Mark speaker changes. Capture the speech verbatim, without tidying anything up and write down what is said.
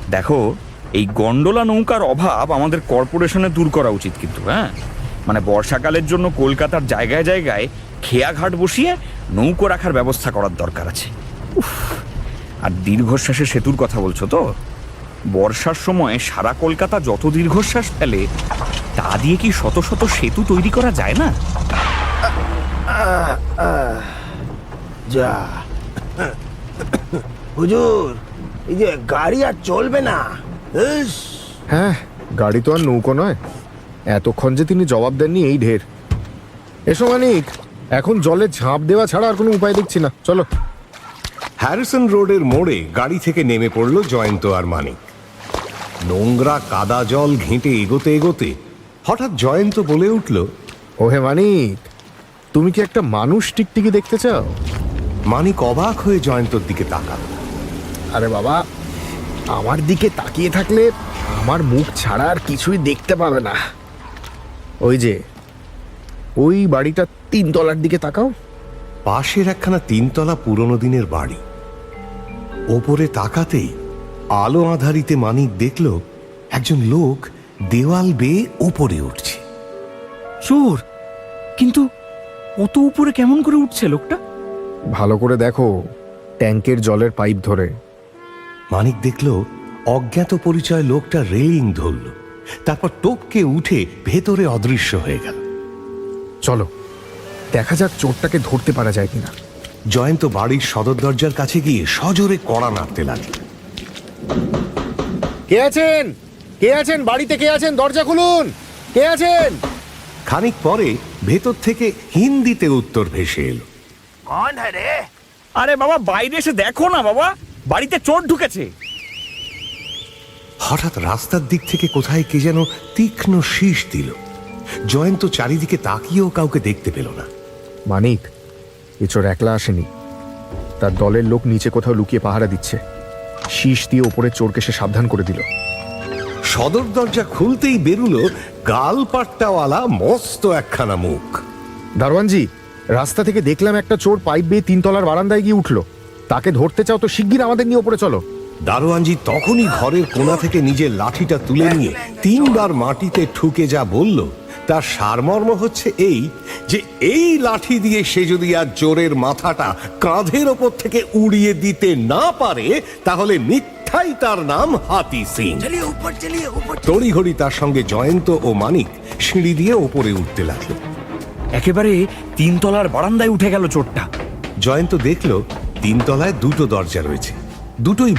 Speaker 1: দেখো, এই গন্ডোলা নৌকার অভাব আমাদের কর্পোরেশনে দূর করা উচিত কিন্তু। হ্যাঁ, মানে বর্ষাকালের জন্য কলকাতার জায়গায় জায়গায় খেয়াঘাট বসিয়ে নৌকো রাখার ব্যবস্থা করার দরকার আছে। উফ, আর দীর্ঘশ্বাসের সেতুর কথা বলছো তো? বর্ষার সময় সারা কলকাতা যত দীর্ঘশ্বাস ফেলে তা দিয়ে কি শত শত সেতু তৈরি করা যায় না?
Speaker 2: যা হুজুর, এই যে গাড়ি আর চলবে না। ইস,
Speaker 3: হ্যাঁ, গাড়ি তো আর নৌকো নয়। এতক্ষণ যে তিনি জবাব দেননি এই ঢের। এসো মানিক, এখন জলে ঝাঁপ দেওয়া ছাড়া আর কোনো উপায় দেখছি না, চলো।
Speaker 4: হ্যারিসন রোডের মোড়ে গাড়ি থেকে নেমে পড়ল জয়ন্ত আর মানিক। নোংরা কাদা জল ঘেঁটে এগোতে এগোতে হঠাৎ জয়ন্ত বলে উঠল,
Speaker 3: ওহে মানিক, তুমি কি একটা মানুষ টিকটিকি দেখতে চাও?
Speaker 4: মানিক অবাক হয়ে জয়ন্তর দিকে তাকাল।
Speaker 3: আরে বাবা, আমার দিকে তাকিয়ে থাকলে আমার মুখ ছাড়া আর কিছুই দেখতে পাবে না। ওই যে ওই বাড়িটা তিনতলার দিকে তাকাও।
Speaker 4: পাশের একখানা তিনতলা পুরনো দিনের বাড়ি। ওপরে তাকাতেই আলো আধারিতে মানিক দেখল একজন লোক দেওয়াল বেয়ে ওপরে উঠছে।
Speaker 1: চোর? কিন্তু অত উপরে কেমন করে উঠছে লোকটা?
Speaker 3: ভালো করে দেখো, ট্যাঙ্কের জলের পাইপ ধরে।
Speaker 4: মানিক দেখল অজ্ঞাত পরিচয় লোকটা রেলিং ধরল, তারপর টপকে উঠে ভেতরে অদৃশ্য হয়ে গেল।
Speaker 3: চলো দেখা যাক চোরটাকে ধরতে পারা যায় কিনা।
Speaker 4: জয়ন্ত বাড়ির সদর দরজার কাছে গিয়ে সজোরে কড়া নাড়তে লাগল।
Speaker 3: কে আছেন? কে আছেন? বাড়িতে কে আছেন? দরজা খুলুন। কে আছেন?
Speaker 4: খানিক পরে ভেতর থেকে হিন্দিতে উত্তর ভেসে এলো,
Speaker 2: কন হ্যাঁ রে?
Speaker 1: আরে বাবা, বাইরে এসে দেখো না বাবা, বাড়িতে চোর ঢুকেছে।
Speaker 4: হঠাৎ রাস্তার দিক থেকে কোথায় কে যেন তীক্ষ্ণ শীষ দিল। জয়ন্ত চারিদিকে তাকিয়েও কাউকে দেখতে পেল না।
Speaker 3: মানিক, এ চোর একলা আসেনি, তার দলের লোক নিচে কোথাও লুকিয়ে পাহারা দিচ্ছে। শীষ দিয়ে ওপরে চোরকে সে সাবধান করে দিল।
Speaker 4: সদর দরজা খুলতেই বেরুলো গাল পাট্টাওয়ালা মস্ত একখানা মুখ।
Speaker 3: দারোয়ানজি, রাস্তা থেকে দেখলাম একটা চোর পাইপ বেয়ে তিনতলার বারান্দায় গিয়ে উঠলো। তাকে ধরতে চাও তো শিগগির আমাদের নিয়ে ওপরে চলো।
Speaker 4: দারোয়ানজি তখনই ঘরের কোণা থেকে নিজের লাঠিটা তুলে নিয়ে তিনবার মাটিতে ঠুকে যা বলল তার সারমর্ম হচ্ছে এই যে এই লাঠি দিয়ে সে যদি আর চোরের মাথাটা কাঁধের ওপর থেকে উড়িয়ে দিতে না পারে তাহলে মিথ্যাই তার নাম হাতি সিং।
Speaker 2: চলিয়ে উপর, চলিয়ে উপর।
Speaker 4: তড়িঘড়ি তার সঙ্গে জয়ন্ত ও মানিক সিঁড়ি দিয়ে ওপরে উঠতে লাগলো।
Speaker 1: একেবারে তিনতলার বারান্দায় উঠে গেল চোরটা।
Speaker 4: জয়ন্ত দেখল তিনতলায় দুটো দরজা রয়েছে, দুটোই